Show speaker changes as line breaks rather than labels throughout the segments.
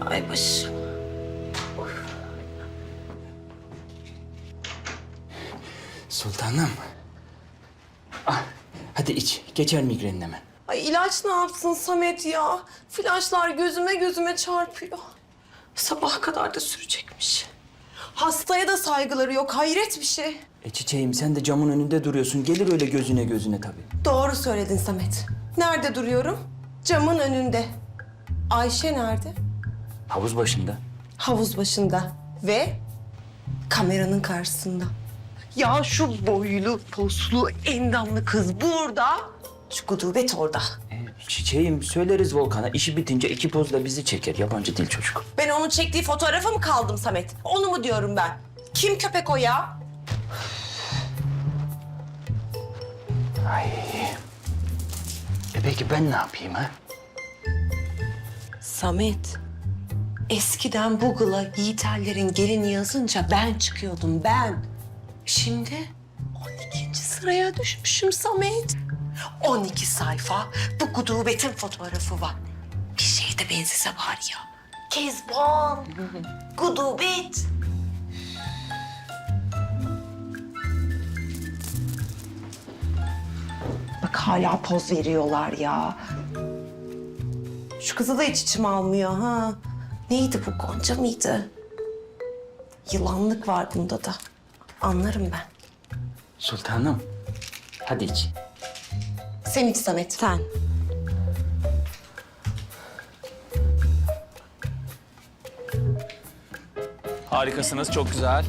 Ay başım.
Sultanım. Ah, hadi iç. Geçer migrenin hemen.
Ay ilaç ne yapsın Samet ya? Flaşlar gözüme çarpıyor. Sabaha kadar da sürecekmiş. Hastaya da saygıları yok. Hayret bir şey.
Çiçeğim sen de camın önünde duruyorsun. Gelir öyle gözüne tabii.
Doğru söyledin Samet. Nerede duruyorum? Camın önünde. Ayşe nerede?
Havuz başında.
Havuz başında ve kameranın karşısında. Ya şu boylu, poslu, endamlı kız burada. Şu gudubet orada.
Çiçeğim söyleriz Volkan'a. İşi bitince 2 pozla bizi çeker. Yabancı değil çocuk.
Ben onun çektiği fotoğrafa mı kaldım Samet? Onu mu diyorum ben? Kim köpek o ya?
Ay. Peki ben ne yapayım ha?
Samet, eskiden Google'a Yiğiterlerin gelini yazınca ben çıkıyordum ben. Şimdi 12. sıraya düşmüşüm Samet. 12 sayfa bu gudubetin fotoğrafı var. Bir şey de benzese var ya. Kezban, gudubet. Bak hala poz veriyorlar ya. Şu kızı da hiç içim almıyor ha. Neydi bu, Gonca mıydı? Yılanlık var bunda da. Anlarım ben.
Sultanım. Hadi iç.
Sen iç Samet. Sen.
Harikasınız, çok güzel.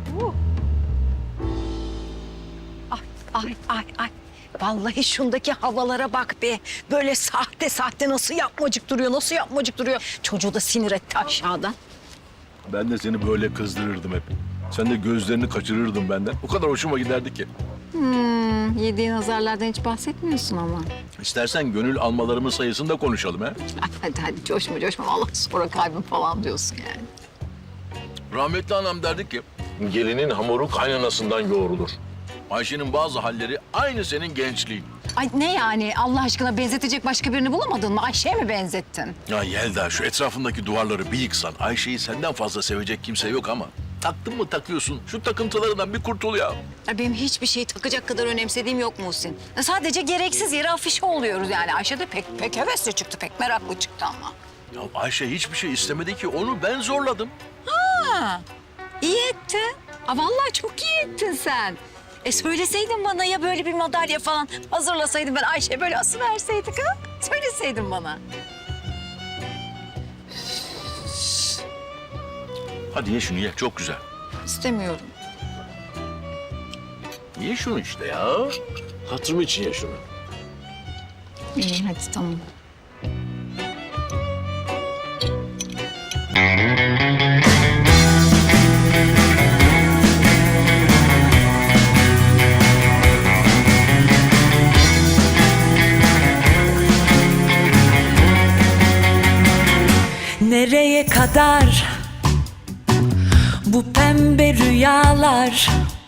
Ay. Vallahi şundaki havalara bak be. Böyle sahte nasıl yapmacık duruyor. Çocuğu da sinir etti aşağıdan.
Ben de seni böyle kızdırırdım hep. Sen de gözlerini kaçırırdın benden. O kadar hoşuma giderdi ki.
Yediğin azarlardan hiç bahsetmiyorsun ama.
İstersen gönül almalarımın sayısını da konuşalım ha.
Hadi coşma. Vallahi sonra kalbim falan diyorsun yani.
Rahmetli anam derdi ki, gelinin hamuru kaynanasından yoğrulur. Ayşe'nin bazı halleri aynı senin gençliğin.
Ay ne yani? Allah aşkına benzetecek başka birini bulamadın mı? Ayşe'ye mi benzettin?
Ya Yelda, şu etrafındaki duvarları bir yıksan, Ayşe'yi senden fazla sevecek kimse yok ama taktın mı takıyorsun. Şu takıntılarından bir kurtul ya.
Ya benim hiçbir şeyi takacak kadar önemsediğim yok Muhsin. Sadece gereksiz yere afişe oluyoruz yani. Ayşe de pek hevesli çıktı, pek meraklı çıktı ama.
Ya Ayşe hiçbir şey istemedi ki, onu ben zorladım.
İyi ettin. Vallahi çok iyi ettin sen. Söyleseydin bana ya böyle bir madalya falan hazırlasaydın ben Ayşe'ye böyle asıverseydik ha? Söyleseydin bana.
Hadi ye şunu ye, çok güzel.
İstemiyorum.
Ye şunu işte ya. Hatırım için ye şunu.
İyi hadi tamam.
Nereye kadar bu pembe rüyalar?